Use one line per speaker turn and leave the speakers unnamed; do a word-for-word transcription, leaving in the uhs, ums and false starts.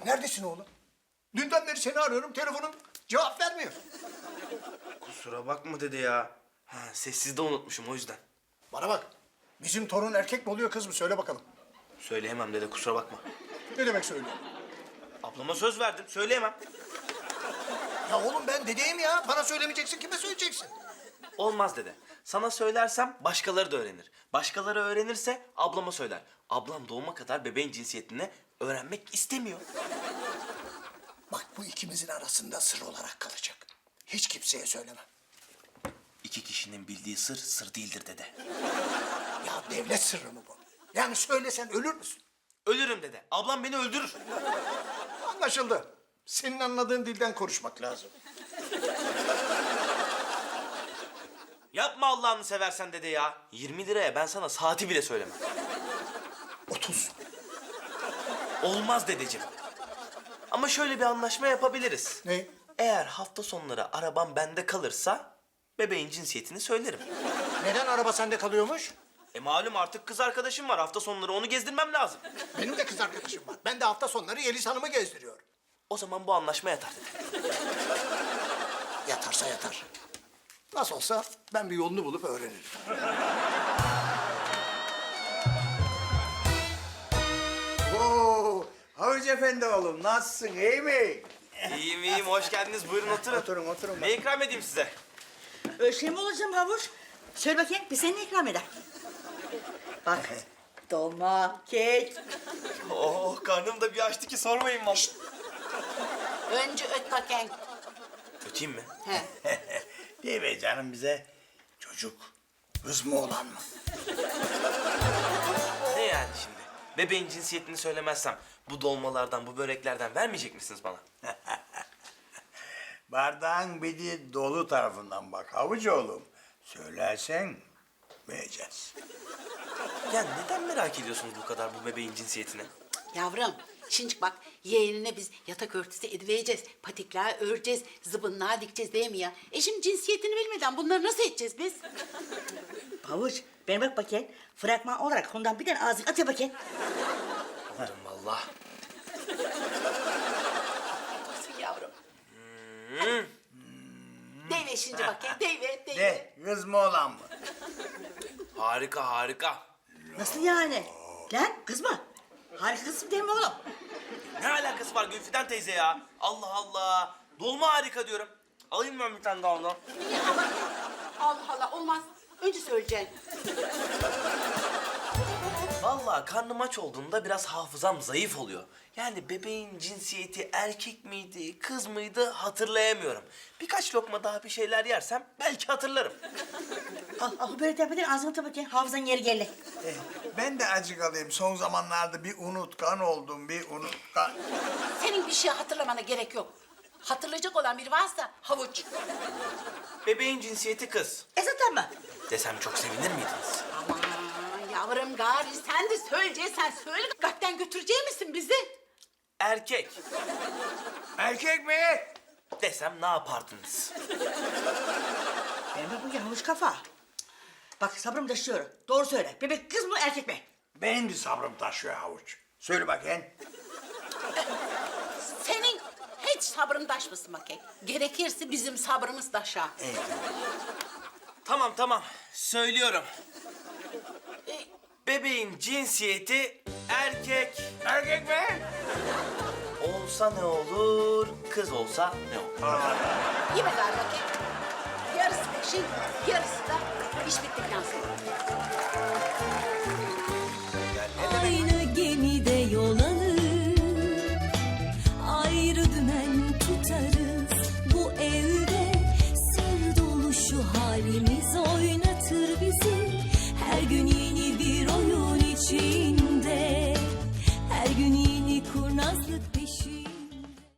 Neredesin oğlum? Dünden beri seni arıyorum, telefonun cevap vermiyor.
Kusura bakma dede ya. Ha, sessizde unutmuşum o yüzden.
Bana bak, bizim torun erkek mi oluyor kız mı? Söyle bakalım.
Söyleyemem dede, kusura bakma.
Ne demek söylüyor?
Ablama söz verdim, söyleyemem.
Ya oğlum ben dedeyim ya. Bana söylemeyeceksin, kime söyleyeceksin?
Olmaz dede. Sana söylersem başkaları da öğrenir. Başkaları öğrenirse ablama söyler. Ablam doğuma kadar bebeğin cinsiyetini öğrenmek istemiyor.
Bak bu ikimizin arasında sır olarak kalacak. Hiç kimseye söyleme.
İki kişinin bildiği sır, sır değildir dede.
Ya devlet sırrı mı bu? Yani söylesen ölür müsün?
Ölürüm dede. Ablam beni öldürür.
Anlaşıldı. Senin anladığın dilden konuşmak lazım.
Yapma Allah'ını seversen dede ya. yirmi liraya ben sana saati bile söylemem.
Otuz.
Olmaz dedeciğim. Ama şöyle bir anlaşma yapabiliriz.
Ne?
Eğer hafta sonları arabam bende kalırsa bebeğin cinsiyetini söylerim.
Neden araba sende kalıyormuş?
E malum artık kız arkadaşım var. Hafta sonları onu gezdirmem lazım.
Benim de kız arkadaşım var. Ben de hafta sonları Yeliz Hanım'ı gezdiriyorum.
O zaman bu anlaşma yatar dede.
Yatarsa yatar. Nasıl olsa ben bir yolunu bulup öğrenirim.
Oo, Havuç Efendi oğlum nasılsın iyi mi?
İyiyim iyiyim. Hoş geldiniz. Buyurun oturun.
Oturun oturun.
Ne ikram edeyim size?
Öyle şey mi olacağım havuç? Söyle bakayım, bir seni ikram eder. Bak, dolma, kek.
Oh karnım da bir açtı ki sormayın vallahi.
Önce öt bakayım.
Öteyim mi?
He.
Değil mi canım bize? Çocuk kız mı oğlan mı?
Ne yani şimdi? Bebeğin cinsiyetini söylemezsem bu dolmalardan, bu böreklerden vermeyecek misiniz bana?
Bardağın bir de dolu tarafından bak Havuç oğlum. Söylersen vereceğiz.
Ya neden merak ediyorsunuz bu kadar bu bebeğin cinsiyetini?
Yavrum, şimdi bak yeğenine biz yatak örtüsü edivereceğiz, patikler öreceğiz, zıbınlığa dikeceğiz değil mi ya? E şimdi cinsiyetini bilmeden bunları nasıl edeceğiz biz?
Havuç, ben bak bakayım. Fragman olarak ondan bir tane ağzını at ya bakayım.
Alırım valla.
Nasıl yavrum? Hmm. Deyve şimdi bakayım, deyve, deyve.
Ne kız mı oğlan mı?
Harika harika.
Nasıl yani? Lan kız mı? Harika kızım değil mi oğlum?
Ne alakası var Gülfiden teyze ya? Allah Allah. Dolma harika diyorum. Alayım ben bir tane daha ondan.
Niye ama? Allah Allah, olmaz. Önce söyleyeceksin.
Vallahi karnım aç olduğunda biraz hafızam zayıf oluyor. Yani bebeğin cinsiyeti erkek miydi, kız mıydı hatırlayamıyorum. Birkaç lokma daha bir şeyler yersem belki hatırlarım.
Al, al böyle tepeden ağzını tut bakayım. Hafızan yeri geldi.
Eh, ben de acık alayım. Son zamanlarda bir unutkan oldum, bir unutkan.
Senin bir şey hatırlamana gerek yok. Hatırlayacak olan biri varsa havuç.
Bebeğin cinsiyeti kız.
E zaten mi?
Desem çok sevinir miydiniz?
Aman yavrum gari sen de söyleyeceksen söyle. Kalpten götürecek misin bizi?
Erkek
Erkek mi?
desem ne yapardınız?
Ben bak bakayım havuç kafa. Bak sabrım taşıyor. Doğru söyle. Bebek kız mı erkek mi?
Benim de sabrım taşıyor Havuç. Söyle bakayım.
Senin hiç sabrın taşmasın bakayım. Gerekirse bizim sabrımız taşar.
Tamam tamam söylüyorum. Bebeğin cinsiyeti erkek.
Erkek mi?
Olsa ne olur, kız olsa ne olur?
Yeme gari bakayım. Yarısı peşin, yarısı da iş bittikten sonra.